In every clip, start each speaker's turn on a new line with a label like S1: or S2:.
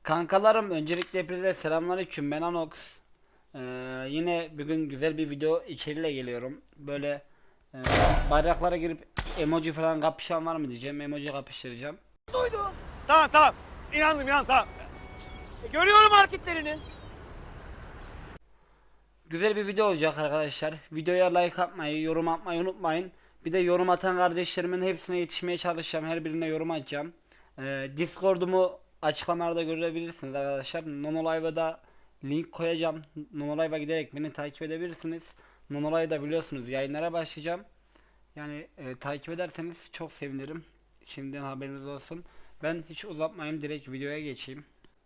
S1: Kankalarım, öncelikle hepinize selamünaleyküm. Ben Anox. Ee, Yine bugün güzel bir video içeriyle geliyorum. Böyle e, bayraklara girip emoji falan kapışan var mı diyeceğim. Emoji kapıştıracağım.
S2: Tamam tamam. İnandım tamam. Görüyorum hareketlerini.
S1: Güzel bir video olacak arkadaşlar. Videoya like atmayı, yorum atmayı unutmayın. Bir de yorum atan kardeşlerimin hepsine yetişmeye çalışacağım. Her birine yorum atacağım. Discord'umu açıklamalarda görebilirsiniz arkadaşlar. Nonolive'a da link koyacağım. Nonolive'a giderek beni takip edebilirsiniz. Nonolive'da biliyorsunuz yayınlara başlayacağım. Yani takip ederseniz çok sevinirim. Şimdiden haberiniz olsun. Ben hiç uzatmayayım, direkt videoya geçeyim.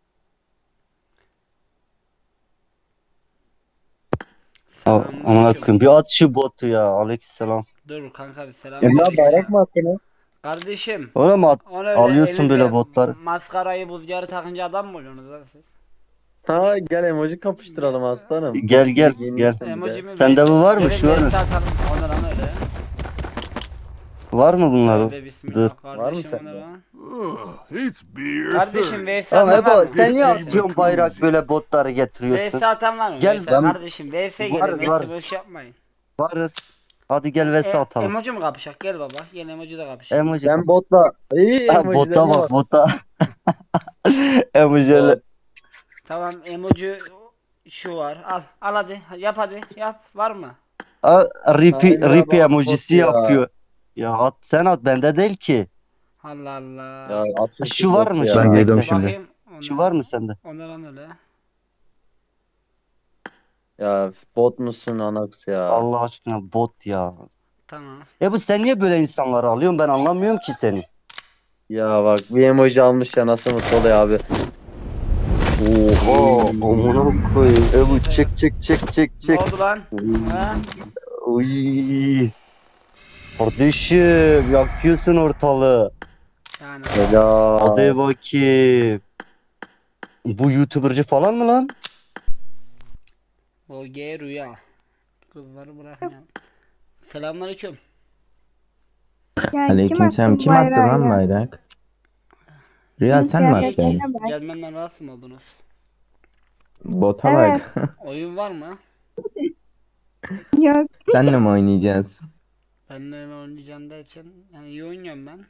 S3: Amına
S1: Selamünaleyküm.
S3: koyayım. Bir at şu botu ya. Aleykümselam.
S1: Dur kanka, bir
S4: Emrah
S1: selamünaleyküm
S4: bayrak
S1: ya.
S4: mı attın?
S1: Kardeşim,
S3: Oğlum
S1: onu öyle
S3: alıyorsun
S1: elinize
S3: böyle botları.
S1: maskarayı buzgarı takınca adam mı oluyorsunuz lan siz?
S4: Ha gel emoji kapıştıralım aslanım.
S3: Gel gel gel.
S4: Giyinmişsin bir de.
S1: Emojimi
S3: Sende bu var mı?
S1: gelin
S3: Şu var mı?
S1: vs atalım. O ne lan öyle?
S3: Var mı bunlar?
S1: Tövbe
S3: Dur.
S1: bismillah
S4: Var mı
S1: kardeşim, o ne
S4: sende?
S1: lan?
S2: It's beer.
S1: Kardeşim vs
S3: Tamam
S1: atan var
S3: Ebo
S1: mı?
S3: sen niye
S1: VS
S3: atıyorsun bayrak böyle botları getiriyorsun?
S1: VS atan var mı?
S3: Gel,
S1: VS
S3: ben-
S1: kardeşim, VS gelin,
S3: Varız,
S1: VS
S3: varız.
S1: boş yapmayın.
S3: Varız. Hadi gel vs atalım.
S1: Emoji mi kapışak? Gel baba. Gel emoji de kapışak.
S3: Emoji.
S4: Ben botla. İyi
S3: Ha,
S4: emojilerine
S3: bota bak
S4: bak.
S3: bota. Emojiyle.
S4: Bot.
S1: Tamam, emoji şu var. Al. Al hadi. Yap hadi. Yap. Var mı?
S3: Ripi
S4: Emrah
S3: ripi
S4: bak
S3: emojisi
S4: bot ya.
S3: yapıyor. Ya at sen at, bende değil ki.
S1: Allah Allah.
S4: Ya atın
S3: Şu var mı?
S4: ya.
S3: Ben
S5: geliyorum şimdi.
S1: Bakayım.
S3: Şu var mı sende?
S1: O ne lan öyle?
S4: Ya bot musun Anax ya?
S3: Allah aşkına bot ya.
S1: Tamam.
S3: Bu sen niye böyle insanları alıyorsun? Ben anlamıyorum ki seni.
S4: Ya bak bir emoji almış ya nasıl mutlu oluyor abi.
S3: Oha, amına koyayım. Bu çek çek çek çek
S1: Ne
S3: çek.
S1: oldu lan? Ha?
S3: Uy. Kardeşim yakıyorsun ortalığı.
S1: Yani
S4: Ya.
S3: Hadi bakayım. Bu YouTuber'cı falan mı lan?
S1: o G rüya. Kızları bırakmayalım. Selamünaleyküm.
S6: Ya
S5: Aleykümselam. Kim attı
S6: bayrağı
S5: lan
S6: ya?
S5: bayrak? Rüya sen mi attın?
S6: Kıyafetine bak.
S1: Gelmenden rahatsız mı oldunuz?
S5: Bota
S6: Evet.
S5: bak.
S1: Oyun var mı?
S6: Yok.
S5: Senle mi oynayacağız?
S1: Benimle mi oynayacaksın derken yani iyi oynuyorum ben.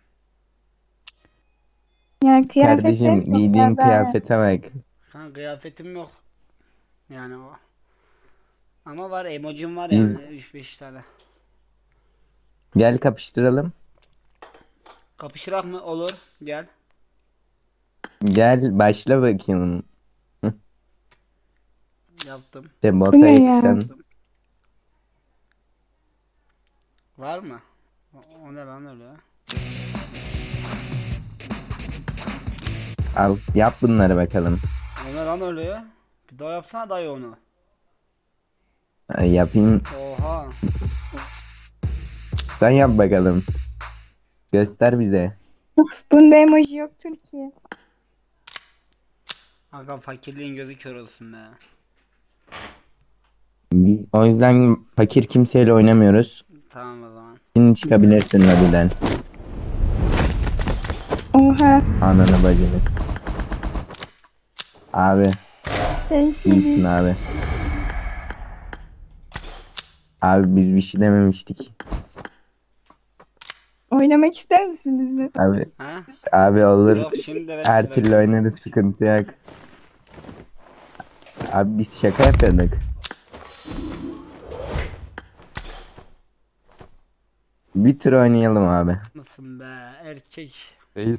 S6: Ya kıyafetleri
S5: Kardeşim
S6: çok
S5: giydiğin
S6: güzel.
S5: kıyafete bak.
S1: Ha, kıyafetim yok. Yani o. Ama var, emojim var yani 3-5 tane.
S5: Gel kapıştıralım.
S1: Kapışırak mı? Olur. Gel.
S5: Gel başla bakayım.
S1: Yaptım.
S5: De
S6: Bu
S5: bota
S6: ne ya?
S5: yakışan.
S1: Var mı? O ne lan öyle?
S5: Al yap bunları bakalım.
S1: O ne lan öyle? Bir daha yapsana dayı onu.
S5: Yapayım.
S1: Oha.
S5: Sen yap bakalım. Göster bize.
S6: Bunda emoji yoktur ki.
S1: Aga, fakirliğin gözü kör olsun be.
S5: Biz o yüzden fakir kimseyle oynamıyoruz.
S1: Tamam o zaman.
S5: Şimdi çıkabilirsin lobiden.
S6: Oha.
S5: Ananı bacınız. Abi iyisin abi. Abi biz bir şey dememiştik.
S6: Oynamak ister misin bizle?
S5: Abi
S1: Ha?
S5: abi olur.
S1: Yok şimdi evet.
S5: Her türlü oynarız, sıkıntı yok. Abi biz şaka yapıyorduk. Bir tur oynayalım abi.
S1: Mısın be erkek.
S7: Reis.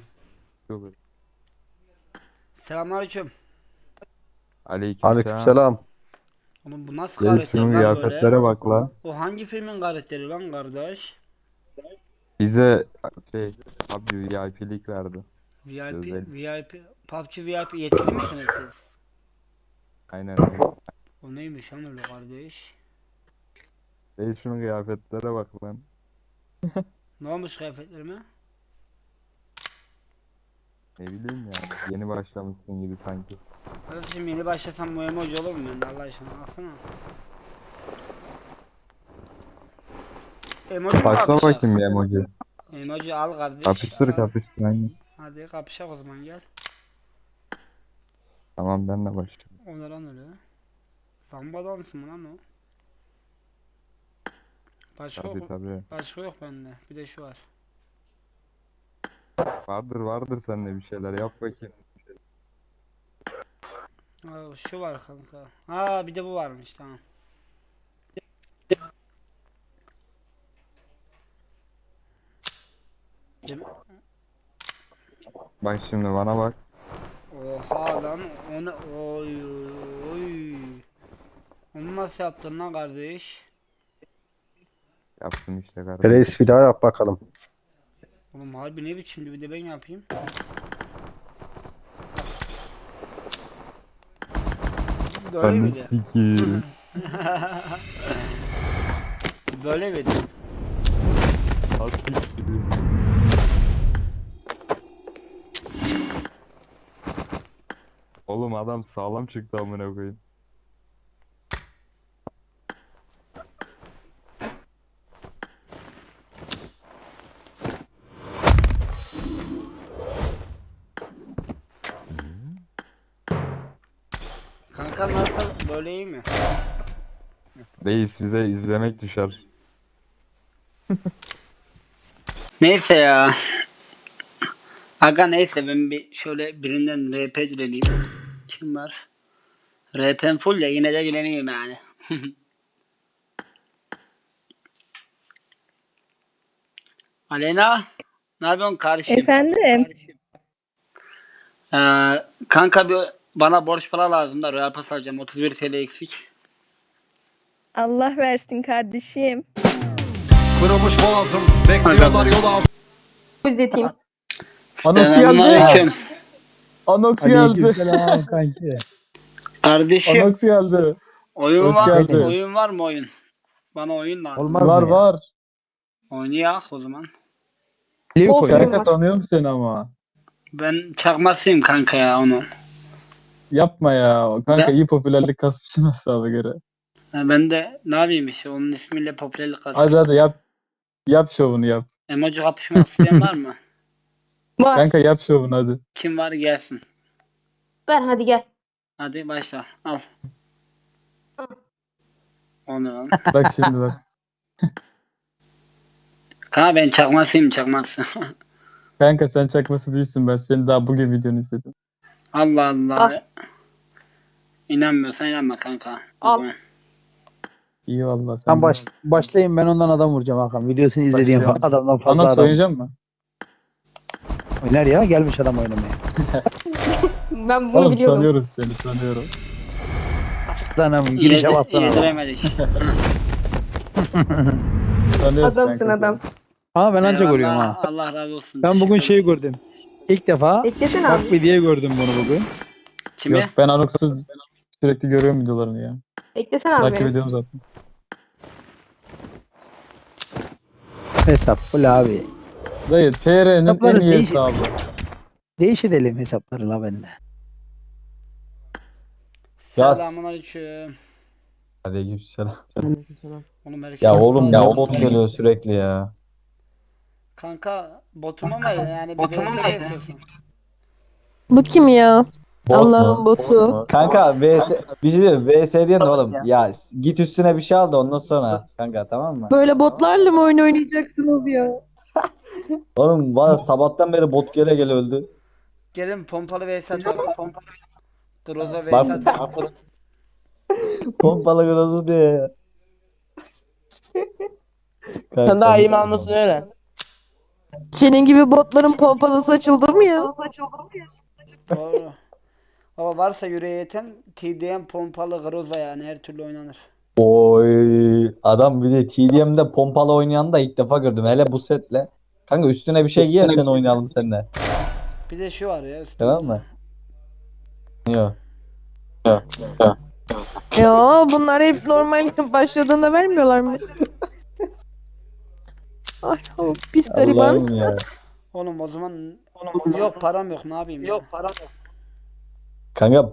S1: Selamünaleyküm.
S7: Aleykümselam.
S1: Oğlum bu nasıl
S7: Reis
S1: karakter
S7: şunun
S1: lan böyle?
S7: kıyafetlere bak la.
S1: O hangi filmin karakteri lan kardeş?
S7: Bize abi VIP'lik verdi.
S1: VIP,
S7: Özel.
S1: VIP, PUBG VIP yetkili misiniz siz?
S7: Aynen.
S1: O neymiş lan öyle kardeş?
S7: Reis şunun kıyafetlere bak lan.
S1: Ne olmuş kıyafetlerime?
S7: Ne bileyim ya. Yeni başlamışsın gibi sanki.
S1: Kardeşim yeni başlasam bu emoji olur mu bende Allah aşkına, baksana. Emoji mi
S7: Başla
S1: kapışak?
S7: bakayım bir emoji.
S1: Emoji al kardeş.
S7: Kapıştır
S1: al.
S7: kapıştır aynen.
S1: Hadi kapışak o zaman, gel.
S7: Tamam ben de başlıyorum.
S1: O ne lan öyle? Samba dansı mı lan o? Başka
S7: Tabii
S1: yok,
S7: tabii.
S1: başka yok bende. Bir de şu var.
S7: Vardır sende bir şeyler yap bakayım.
S1: Şu var kanka. Ha bir de bu varmış tamam. Dem-
S7: Bak şimdi bana bak.
S1: Oha lan o ne? Oy oy. Onu nasıl yaptın lan kardeş?
S7: Yaptım işte kardeşim.
S3: Reis bir daha yap bakalım.
S1: Oğlum harbi ne biçimdi bir de ben yapayım. Böyle
S7: Ananı
S1: miydi?
S7: sikeyim.
S1: Böyle miydi?
S7: Ha sikeyim. Oğlum adam sağlam çıktı amına koyayım.
S1: Kanka nasıl? Böyle iyi mi?
S7: Reis bize izlemek düşer.
S1: Neyse ya. Aga neyse ben bir şöyle birinden RP dileneyim. Kim var? RP'm full ya yine de dileneyim yani. Alena, ne yapıyorsun kardeşim?
S6: Efendim?
S1: Kanka bir bana borç para lazım da Royal Pass alacağım 31 TL eksik.
S6: Allah versin kardeşim.
S8: Kırılmış boğazım, bekliyorlar yol ağzı.
S9: İzleteyim.
S5: Anox geldi.
S1: Selamünaleyküm.
S5: Anox geldi.
S10: Aleykümselam kanki.
S1: Kardeşim
S5: Anox geldi.
S1: oyun
S5: Hoş
S1: var,
S5: geldin.
S1: oyun var mı oyun? Bana oyun lazım.
S10: Olmaz
S5: Var
S10: mı ya?
S5: var.
S1: Oynayak o zaman.
S10: Leo
S9: Olsun.
S10: koy.
S5: Kanka tanıyorum seni ama.
S1: Ben çakmasıyım kanka ya onun.
S5: Yapma ya. Kanka
S1: Ben-
S5: iyi popülerlik kasmışsın hesaba göre.
S1: Ben de ne yapayım işte onun ismiyle popülerlik
S5: Hadi
S1: kazandım.
S5: hadi yap. Yap şovunu yap.
S1: Emoji kapışmak isteyen var mı?
S9: Var.
S5: Kanka yap şovunu hadi.
S1: Kim var gelsin.
S9: Ver hadi gel.
S1: Hadi başla. Al. O ne lan?
S5: Bak şimdi bak.
S1: Kanka ben çakmasıyım çakması.
S5: Kanka sen çakması değilsin, ben seni daha bugün videonu izledim.
S1: Allah Allah.
S9: Al.
S1: İnanmıyorsan inanma kanka. O
S9: Al.
S1: zaman.
S5: İyi valla sen.
S10: Sen başlayayım ben ondan adam vuracağım Hakan. Videosunu izlediğim
S5: Başlayalım.
S10: adamdan fazla
S5: Anox
S10: adam
S5: oynayacak mı?
S10: oynar ya. Gelmiş adam oynamaya.
S9: Ben bunu
S5: Oğlum
S9: biliyordum.
S5: tanıyorum seni, tanıyorum.
S10: Aslanım girişe bassana.
S1: Yediremedik.
S5: Tanıyoruz
S9: Adamsın
S5: kanka
S9: adam.
S10: Ama ben anca
S1: Eyvallah,
S10: görüyorum ha.
S1: Allah razı olsun.
S10: Ben bugün
S1: Teşekkür
S10: şeyi
S1: ederim.
S10: gördüm. İlk defa
S9: Beklesene
S10: bak
S9: abi.
S10: bir diye gördüm bunu bugün.
S1: Kimi?
S5: Yok ben Anox'u sürekli görüyorum videolarını ya.
S9: Beklesene abi
S5: Takip
S9: beni.
S5: ediyorum zaten.
S10: Hesap full abi.
S5: Dayı TR'nin
S10: Hesapları
S5: en iyi
S10: değişik.
S5: hesabı.
S10: Değiş edelim hesapları la bende.
S4: Yaz.
S1: Selamünaleyküm.
S4: Aleykümselam.
S1: Oğlum herkes
S4: Ya oğlum ya o
S1: bot
S4: bot geliyor sürekli ya.
S1: Kanka botum ama yani bir VS istiyorsun.
S9: Bot kim ya?
S4: Bot
S9: Allah'ın
S4: mu?
S9: botu.
S4: Kanka VS bir şey diyeyim, VS diyen de oğlum ya git üstüne bir şey al da ondan sonra kanka, tamam mı?
S9: Böyle botlarla mı oyun oynayacaksınız ya?
S4: Oğlum var sabahtan beri bot gele gele öldü.
S1: Gelin pompalı VS atalım. Groza VS
S4: Bak
S1: atalım.
S4: pompalı grozu diye ya.
S11: Sen daha iyi mi anlasın öyle?
S9: Senin gibi botların pompalısı açıldı mı ya?
S1: Doğru. Ama varsa yüreğe yeten TDM pompalı Groza yani her türlü oynanır.
S4: Oy adam bir de TDM'de pompalı oynayan da ilk defa gördüm, hele bu setle. Kanka üstüne bir şey giyersen oynayalım seninle.
S1: Bir de şu var ya üstünde.
S4: Tamam mı? Yok.
S9: Ya bunlar hep normal başladığında vermiyorlar mı? Ay o pis gariban.
S4: Allah'ım ya.
S1: Oğlum o zaman yok param yok ne yapayım ya?
S4: Kanka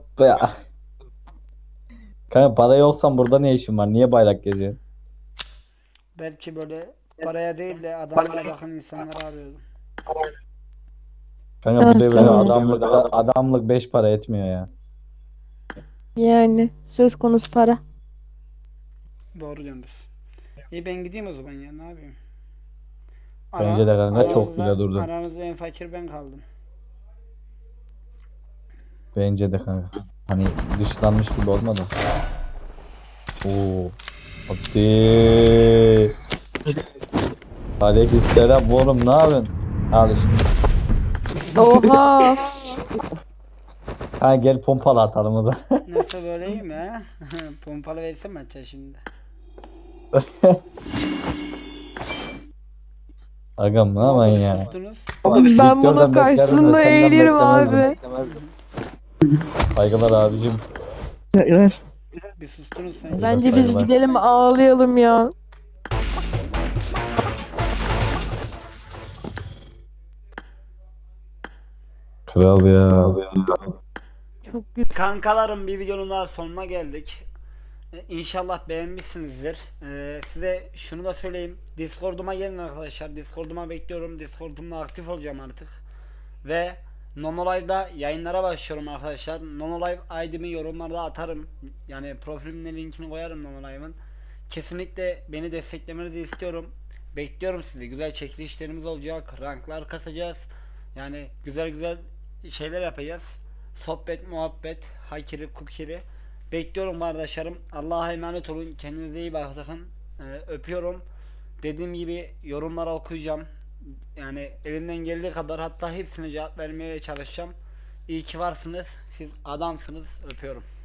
S4: kanka para yoksan burada ne işin var? Niye bayrak geziyorsun?
S1: Belki böyle paraya değil de adamlara bakın insanları arıyordum.
S4: Kanka bu
S9: Evet,
S4: devirde
S9: tamam.
S4: adamlık 5 para etmiyor ya.
S9: Yani söz konusu para.
S1: Doğru diyorsunuz. İyi ben gideyim o zaman ya, ne yapayım?
S4: Bence de kanka çok
S1: aranızda-
S4: güzel durdu.
S1: Aranızda en fakir ben kaldım.
S4: Bence de kanka. Hani dışlanmış gibi olmadı. Oo. Hadi. Aleykümselam oğlum, ne yapıyorsun? Al işte.
S9: Oha.
S4: Ha gel pompalı atalım o da.
S1: Nasıl böyle iyi mi ha? Pompalı versem açacağım şimdi.
S4: Agam ne aman ya.
S1: Sustunuz.
S9: Ben
S4: Sektörden
S9: bunun
S4: beklerdim de
S9: karşısında
S4: senden
S9: eğilirim
S4: beklemezdim.
S9: abi.
S4: Saygılar abicim.
S1: Bir sustunuz sen.
S9: Bence biz
S4: Saygılar.
S9: gidelim ağlayalım ya.
S4: Kral ya.
S9: Çok güzel.
S1: Kankalarım, bir videonun daha sonuna geldik. İnşallah beğenmişsinizdir. Size şunu da söyleyeyim. Discord'uma gelin arkadaşlar. Discord'uma bekliyorum. Discord'umda aktif olacağım artık. Ve Nonolive'da yayınlara başlıyorum arkadaşlar. Nonolive ID'mi yorumlarda atarım. Yani profilimin linkini koyarım Nonolive'ın. Kesinlikle beni desteklemenizi istiyorum. Bekliyorum sizi. Güzel çekilişlerimiz olacak. Ranklar kasacağız. Yani güzel güzel şeyler yapacağız. Sohbet, muhabbet, hakiri, kukiri. Bekliyorum kardeşlerim. Allah'a emanet olun. Kendinize iyi bakın. Öpüyorum. Dediğim gibi yorumlara okuyacağım. Yani elimden geldiği kadar, hatta hepsine cevap vermeye çalışacağım. İyi ki varsınız. Siz adamsınız. Öpüyorum.